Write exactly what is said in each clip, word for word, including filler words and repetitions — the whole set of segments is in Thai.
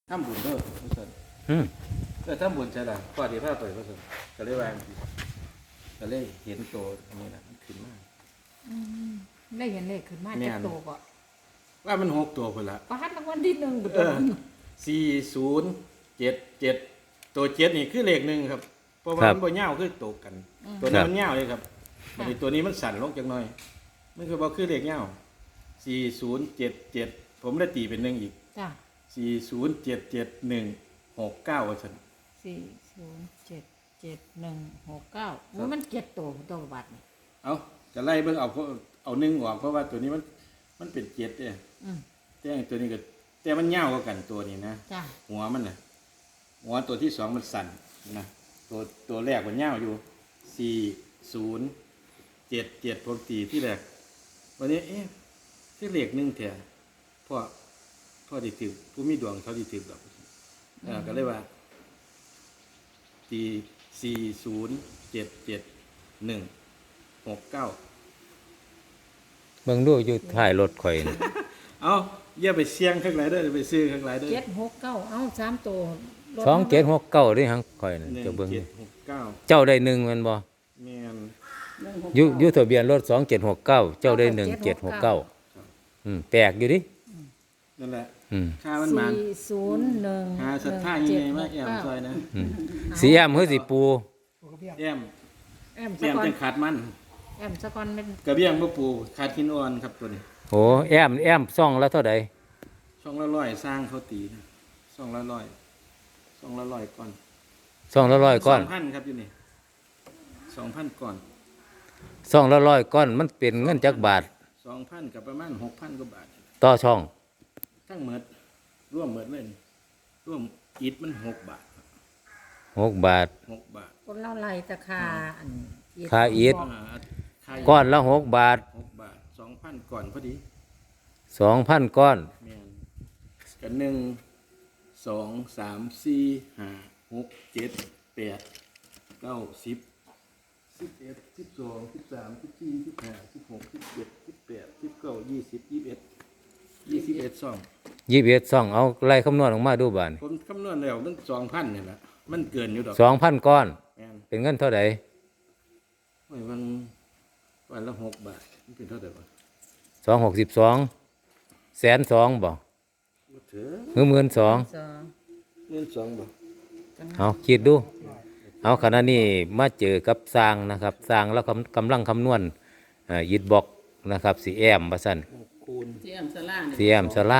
ทำบุญเด้อพระสันอืมเออทำบุญใช่ละพอดีพาไปพระสันก็เลยวางก็เลยเห็นโตอันนี้นะมันขึ้นมาอืมได้เห็นเลขขึ้นมาแม่จากนโตก็ว่ามันหกตัวคนละประหัดรางวัลที่หนึ่งบุตเอรอสี่ศูนย์เจ็ดเจ็ดตัวเจ็ดนี่คือเลขหนึ่งครับเพราะว่ามันบ่เงาวคือโตกัน ตัวนี้มันเงาวเลยครับอันนี้ตัวนี้มันสั่นลงจังหน่อยมันคือบ่คือเลขเงาวสี่ศูนย์เจ็ดเจ็ดผมได้ตีเป็นหนึ่งอีกจ้ะสี่ศูนย์เจ็ดเจ็ดหนึ่งหกเก้าว่าสันสี่ศูนย์เจ็ดเจ็ดหนึ่งหกเก้าโอ้ยมันเจ็ดโตตัวบัตรนี่เอาจะไล่เบิ่งเอาเพราะเอาหนึ่งออกเพราะว่าตัวนี้มันมันเป็นเจ็ดเนี่ยอืมแต่ตัวนี้ก็แต่มันเงาวกว่ากันตัวนี้นะจ้ะหัวมันน่ะหัวตัวที่สองมันสั่นนะตัวตัวแรกมันเงาวอยู่สี่ศูนย์เจ็ดเจ็ดผมตีที่แรกวันนี้เอ๊ะที่เลขหนึ่งแถวพ่อพ่อดีถือผู้มีดวงเขาดีถือแบบเออก็เลยว่าตีสี่ศูนย์เจ็ดเจ็ดหนึ่งหกเก้าเบิ่งดูอยู่ท้ายรถข่อยนี่เอาอย่าไปเสี่ยงข้างไหนเด้อไปซื้อข้างไหนเด้อเจ็ดหกเก้าเอ้าสามโตรถสองเจ็ดหกเก้าเด้หังข่อยน่ะหนึ่งเจ้าเบิ่งเจ็นี่ดหกเก้าเจ้าได้หนึ่งแม่นบ่แม่นอยู่อยู่ทะเบียนรถสองเจ็ดหกเก้าเจ้าได้หนึ่งเจ็ดหกเก้าอืมแปลกอยู่ดินั่นแหละอืมค่ามันมันสี่ศูนย์หนึ่งหาสัทธายังไงมาแอมซอยนะอืมสีแอมเฮ้ยสิปูแอมแอมแอสะมกอนจังขาดมันแอมสะกอนเป็นกระเบี้ยงบ่ปูขาดหินอ่อนครับตัวนี้โอ้แอมแอมซ่องแล้วเท่าใดช่องละร้อยสร้างเขาตีนะช่องละร้อยช่องละร้อยก่อนซ่องละร้อยก้อนสองพันครับอยู่นี่สองพันก่อนซ่องละร้อยก้อนมันเป็นเงินจักบาทสองพันกับประมาณหกพันกว่าบาทต่อช่องทั้งหมดร่วมหมดเลยนี่ร่วมอิฐมันหกบาทหกบาทหกบาทคนเล่าไรตะคาอันค่าอิฐอ่าค่าอิฐก้อนละหกบาทหกบาทสองพันก่อนพอดีสองพันก้อนแมนกันหนึ่งสองสามสี่ห้าหกเจ็ดแปดเก้าสิบสิบเอ็ดสิบสองสิบสามสิบสี่สิบห้าสิบหกสิบเจ็ดสิบแปดสิบเก้ายี่สิบยี่สิบเอ็ดยี่สิบเอ็ดสองยี่สิบเอ็ดซ่องเอาไล่คำนวณออกมาดูบาดนี่ผมคำนวณแล้วมันสองพันนี่แหละมันเกินอยู่ดอกสองพันก้อนแมนเป็นเงินเท่าใดโอ้ยวันวันละหกบาทมันเป็นเท่าไหร่วะสองหกสิบสองแสนสองบ่บ่เถอะหรือหมื่นสองสองเงินสองบาทเอาคิดดู เอาขณะนี้มาเจอกับสร้างนะครับสร้างแล้วกำกำลังคำนวณเอ่อยิดบอกนะครับสีแอมบัสันหกคูณเสียมสลาสีแอมสลา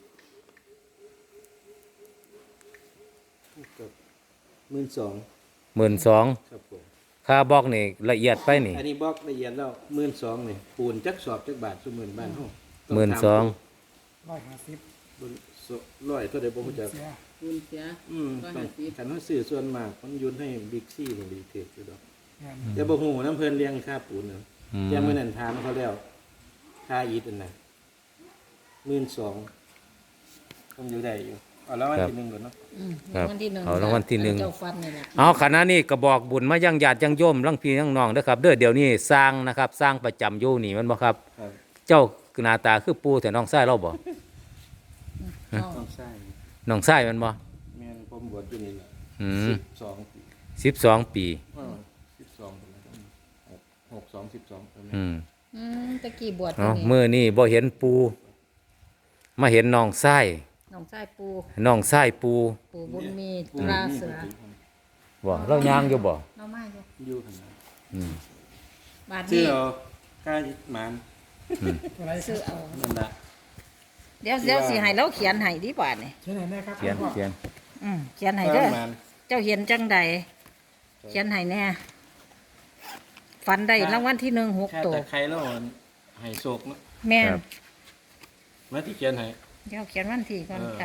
กับหมื่นสองหมื่นสองครับผมค่าบอกนี่ละเอียดไปนี่อันนี้บอกละเอียดแล้วหมื่นสองนี่ปูนจักสอบจักบาทสมหมื่นบ้านห้องหมื่นสองร้อยห้าสิบร้อยเท่าใดบ่รู้จักเสียคุณเสียอืมต้องคันว่าซื้อส่วนมากมันยุนให้บิ๊กซี่นี่ดีเทคอยู่ดอกงานแต่บ่ฮู้น้ำเพิ่นเลี้ยงค่าปูนเนาะอืมแต่มื้อนั้นถามเขาแล้วค่าอีทอันน่ะหมื่นสองต้องอยู่ได้อยู่เอาแล้ววันที่หนึ่งก่อนเนาะอืมครับรางวัลที่หนึ่งเอารางวัลที่หนึ่งเจ้าฟันนี่แหละเอาขณะนี้กระบอกบุญมายังญาติยังโยมลังพี่ลังน้องเด้อครับ เด้อเดี๋ยวนี้สร้างนะครับ สร้างประจำอยู่นี่แมันบ่ครับครับเจ้าหน้าตาคือปูแต่น้องชายเราบ่เอาต้องใช้น้องชายแมันบ่แม่นผมบวชอยู่นี่แหละอืมสองปีสิบสองปีเออสิบสองคนละหกหกสองสิบสองประมาณอืมอืมตะกี้บวชเอานี่มื้อนี้บ่เห็นปู มาเห็นน้องชายน้องชายปูน้องชายปูปูบุญมีปูตราเสือบ่เราย่างอยู่บ่เรามาอยู่อยู่ขนาดอืมบาทชื่นี้อเอาค่าหมานตัวไรซื้อเอานั่นละเดี๋ยวเดี๋ยวสิให้เราเขียนให้ดีบาทนี่เช่นไหนแน่ครับเขียนพ่อเขียนอืมเขียนให้เด้อหมานเจ้าเห็นจังใดเขียนให้แน่ฝันได้รางวัลที่หนึ่งหกค่าตัวตะไคร้แล้วให้โศกเนาะแม่นมาที่เขียนให้เดี๋ยวเขียนวันที่ก่อนเออค่ะ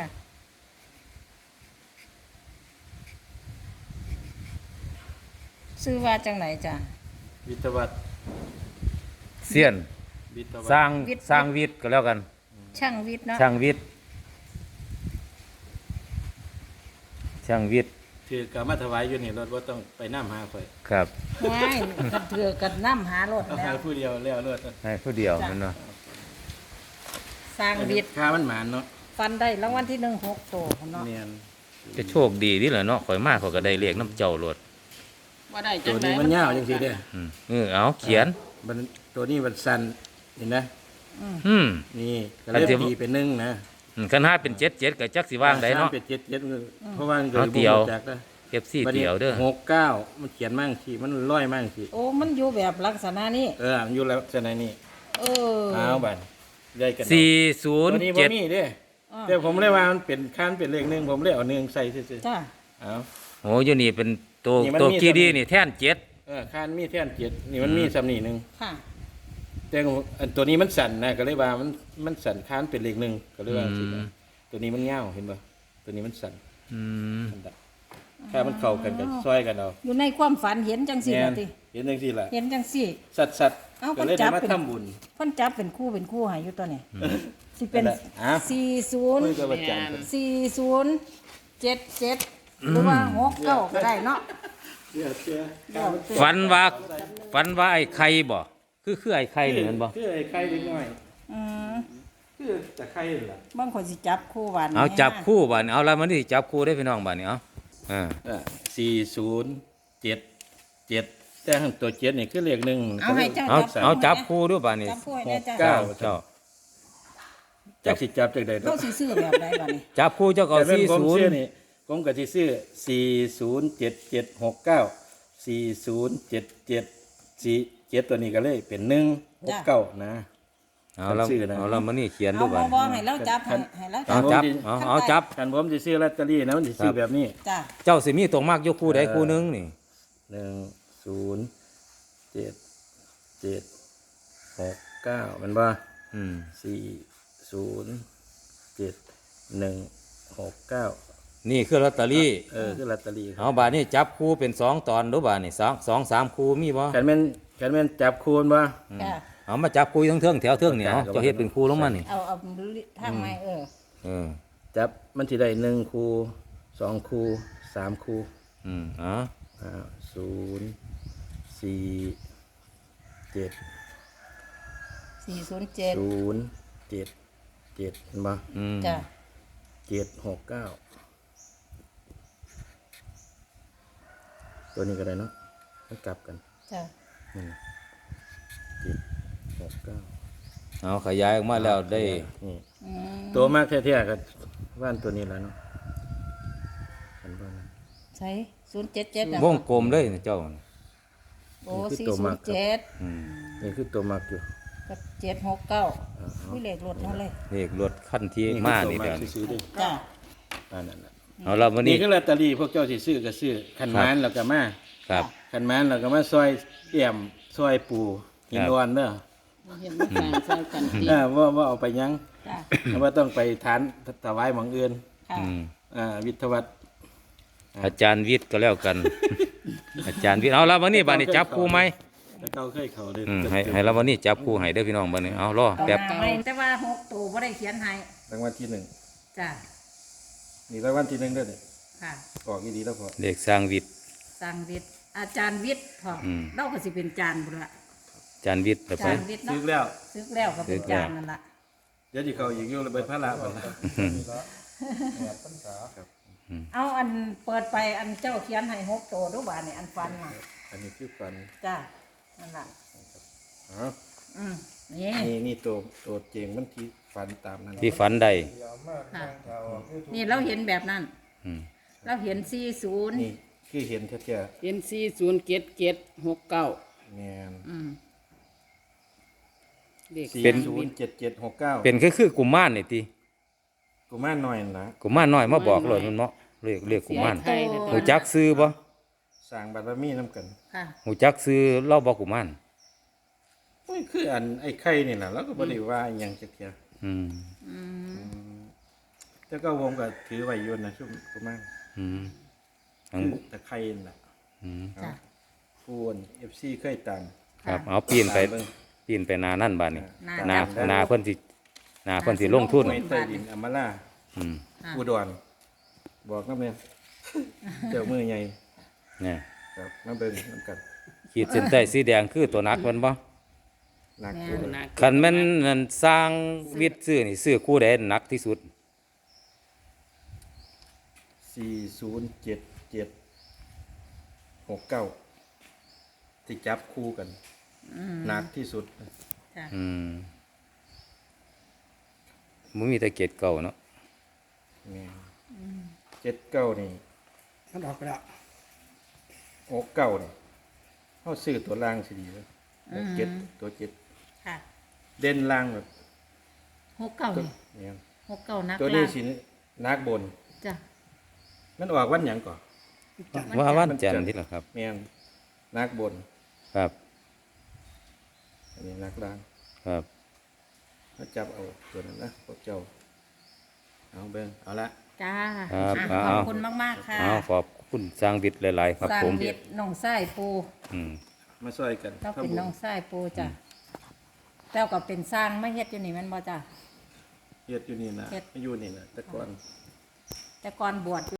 ซื้อว่าจังไหนจ้ะวิทยาวัฒน์เสียนวิทยาวัสร้าฒน์งสร้างวิทย์ก็แล้วกันช่างวิทย์เนาะช่างวิทย์ช่างวิทย์ถือกามาถวายอยู่นี่รถว่าต้องไปน้ำหาข่อยครับไม่กันเถือกันน้ำหารถเอาแล้หาว ผู้เดียวแล้วรถให้ผู้เดียวนั่นเนาะสร้างวิทย์ค่ามันหมานเนาะฟันได้รางวัลที่หนึ่งหกโตเนาะเนียนจะโชคดีนี่แหละเนาะข่อยมากข่อยก็ได้เลขน้ำเจ้าโลดว่าได้ตัจัวงไดนี้มันยาวจังซี่เด้ออืมเออเอาเขียนมันตัวนี้มันสั่นเห็นนะอืมนี่ก็อัเลนยที่ตีเป็นหนึ่งนะอืมคันห้าเป็นเจ็ดเจ็ดก็จักสิว่างได้เนาะสมเป็นเจ็ดเจ็ดเพราะว่ามันเอาเดี่ยวจากนะเอฟซีเดียวเด้อหกเก้ามันเขียนมั่งสิมันร้อยมั่งสิโอ้มันอยู่แบบลักษณะนี้เออมันอยู่แล้วจะไหนนี่เออเอาบันได้กันสี่ศูนย์ตัวนี้บ่เจ็ดมีเด้อ่าแต่ผมเลยว่ามันเป็นคันเป็นเลขหนึ่งผมเลยเอาหนึ่งใส่ซื่อจ้าๆเอาโอ้อยนี่เป็นตัวนี่มันตัวมีกีดีสำลีนี่แท่นเจ็ดเออคันมีแท่นเจ็ดนี่มันมีสำนีหนึ่งค่ะแต่อันตัวนี้มันสั่นนะก็เลยว่ามันมันสั่นคันเป็นเลขหนึ่งก็เลยว่าสินะตัวนี้มันเงาเห็นป่ะตัวนี้มันสั่นอืมมันดับถ้ามันเข้ากันก็ซอยกันเอาอยู่ในความฝันเห็นจังสี่แม่ละนติเห็นจังซี่ล่ะเห็นจังสี่สัตว์สัตว์เอ้าก็เลยเพิ่นจัได้บมาเป็นทำบุญเพิ่นจับเป็นคู่เป็นคู่ให้อยู่ตัวนี้สิเป็นนั่นแหละอ่ะสี่ศูนย์คุยกับอาจารย์สี่ศูนย์เจ็ดเจ็ดหรือว่าหกเก้าก็ได้เนาะเชื่อเชื่อฝันว่าฝันว่าไอ้ไข่บ่คือคือไอ้ไข่นี่แมันบ่คือไอ้ไข่เล็กน้อยอืมคือแต่ไข่นั่นล่ะบางคนสิจับคู่วันเอาจับคู่บ่นี่เอาละมันนี่จับคู่ได้พี่น้องบ่นี่เอาอ่าอ่ะสี่ศูนย์เจ็ดเจ็ดแต่ข้างตัวเจ็ดนี่คือเลขหนึ่งเอาให้เจ้าเอาจับเอาจับคู่ด้วยบ่นี่จับคู่ให้ได้จ้าเก้าเจ้าจากสิจับจากใดเขาสิซื้อแบบใดบัดนี้จับคู่เจ้าก็แต่เป็นสี่ผมศูนซื้อย์นี่ผมก็สิซื้อสี่ศูนย์เจ็ดเจ็ดหกเก้าสี่ศูนย์เจ็ดเจ็ดสี่เจ็ดตัวนี้ก็เลยเป็นหนึ่งหกเก้านะเอาละชื่อนะเอาละมันนี่เขียนเอาด้วยบ่บ่บ่ให้เราจับให้ให้เราเอาจับจับเอาเอาจับกันผมสิซื้อลอตเตอรี่นะมันสิซื้อแบบนี้จ้าเจ้าสิมีตรงมากยกคู่ใดคู่หนึงนี่หนึ่งศูนย์เจ็ดเจ็ดหกเก้ามันว่าอืมสี่ศูนย์เจ็ดหนึ่งหกเก้านี่คือลอตเตอรี่เออคือลอตเตอรี่ครับเอาบาดนี้จับคู่เป็นสองตอนดูบาดนี่สองสองสามคู่มีบ่กันแม่นกันแม่นจับคูณว่าจ้าเอามาจับคู่ทั้งเทิงแถวเทิงนี่เอาจับเจ้าเฮ็ดเป็นคู่ลงมานี่เอาเอาทางไม้เออเออจับมันที่ได้หนึ่งคูสองคูสามคูอืมเอ๋ออ่าศูนย์สี่เจ็ดสี่ศูนย์เจ็ดศูนย์เจ็ดเจ็ดเห็นปะอืมจ้าเจ็ดหกเก้าตัวนี้ก็ได้เนาะมันกลับกันจ้านี่นะเจ็ดหกเก้าเอาขยายออกมาแล้วได้นี่อืมตัวมากแท้ๆก็ว่านตัวนี้แหล้วเนาะอันบ้านนั้นใช่ศูนย์เจ็ดเจ็ดวงกลมเลยนะเจ้าโอ้นี่คือสี่ตัวศูมาน กย์ครับเจ็ดอืมนี่คือตัวมากอยู่กับเจ็ดหกเก้าวิเลขรถนั่นเลยเลขรถคันที่นี่มาคือนี่ตัวเดี๋ยวกนี้ซื้อๆดิจ้าอันนั้นน่ะเอาละวันนี่นี้คือลอตเตอรี่พวกเจ้าสิซื้อก็ซื้อขันครับมานแล้วก็มาครับขันมานแล้วก็มาซอยเอี่ยมซอยปูหินครับอ่อนเด้อเห็นมันสร้างใส่กันดีเออว่าว่าเอาไปหยังจ้าว่าต้องไปทานถวายหมองอื่นค่ะอืมอ่าวิทยาวัฒน์อาจารย์วิทย์ก็แล้วกัน อาจารย์วิทย์เอาละวันนี้บาดนี้จับคู่ไหมแล้วก็เคยเขาเลยอืมให้ให้ละวันนี้จับคู่ให้เด้อพี่น้องบัดนี้เอารอเอาแป๊บหน้าไม่แต่ว่าหกตัวบ่ได้เขียนให้รางวัลที่หนึ่งจ้านี่รางวัลที่หนึ่งด้วยเนี่ยค่ะออกอีดีแล้วพอเลขสร้างวิทย์สั่งวิทย์อาจารย์วิทย์พออมเราก็สิเป็นจานบุระอาจารย์วิทย์เดี๋ยวอาไปจารย์วิทย์ซื้เนาะอแล้วซึกแล้วก็เป็นจานนั่นล่ะเดี๋ยวที่เขาอีกอยู่เลยไปพระละก่อนละเอาอันเปิดไปอันเจ้าเขียนให้หกตัวดูบาดนี่อันฟันน่ะอันนี้คือฟันจ้านั่นล่ะอ๋ออืมนี่นี่นี่ตัวตัวเจงมันที่ฟันตามนั้นที่ฝันใดค่ะนี่เราเห็นแบบนั้นอืมเราเห็นสี่ศูนย์นี่คือเห็นแท้เห็นสี่ศูนย์เจ็ดเจ็ดหกเก้าๆแมนอืมเด็กสี่ศูนย์เจ็ดเจ็ดหกเก้าเป็นคือคือกุมารนี่ติกูมาหน่อยนะกุมารน้อยมาบอกเลยมันเนาะเรียกเรียกกุมารไทยนะหูจักซื้อบ่สร้างบารมีน้ำกันค่ะหูจักซื้อเล่าบ่กุมารโอ้ยคืออันไอ้ไข่นี่นะแล้วก็บริว่าอหยังจะเทียอืมอืมแต่ก็วงก็ถือไว้อยนนะช่วงกูมาอืมอังคือตะไคร่น่ะอืมจ้ะฟูนเอฟซีเคยตามครับเอาปีนไปตามเบิ่งปีนไปนานั่นบาดนี้หน้านาจับนาเพิ่นสินาเพิ่นสิลงทุนไว้ใต้ดินอำมาล่าอืมค่ะอุดรบอกน้ำเนี่ยเจ้ามือใหญ่เนี่ยครับน้ำเบิ่งน้ำกันขีดเส้นใต้สีแดงคือตัวนักมันบ่หนักแม่อยู่หนักคันแม่นนั่นสร้างวิทย์ซื้อนี่ซื้อคู่ใดหนักที่สุดสี่ศูนย์เจ็ดเจ็ดหกเก้าที่จับคู่กันหนักที่สุดค่ะอืมมันมีแต่เกตเก่าเนาะเจ็ดเก้านี่มันออกไปแล้วหกเก้านี่เขาซื้อตัวล่างสิดีเลยเจ็ดตัวเจ็ดค่ะเด่นล่างแบบหกเก้าตัวนี่เนี่ยหกเก้านักตัวนี้ล่างสินักบนจ้ะมันออกวันหยังก่อนว่าวันจันทร์ที่ละครับแม่นนักบนครับอันนี้นักล่างครับเขาจับเอาตัวนั้นนะพวกเจ้าเอาเบิ่งเอาละจ้าครับอ่ะเอาขอบคุณมากๆค่ะเอาขอบคุณสร้างวิทย์หลายๆครับสร้างผมเวียดน้องไส้ปูอืมมาช่วยกันเราเป็นทำบุญน้องไส้ปูจ้ะเจ้าก็เป็นสร้างไม่เฮ็ดอยู่นี่แมันบ่จ้ะเฮ็ดอยู่นี่นะเฮ็ดอยู่นี่นะแต่ก่อนแต่ก่อนบวช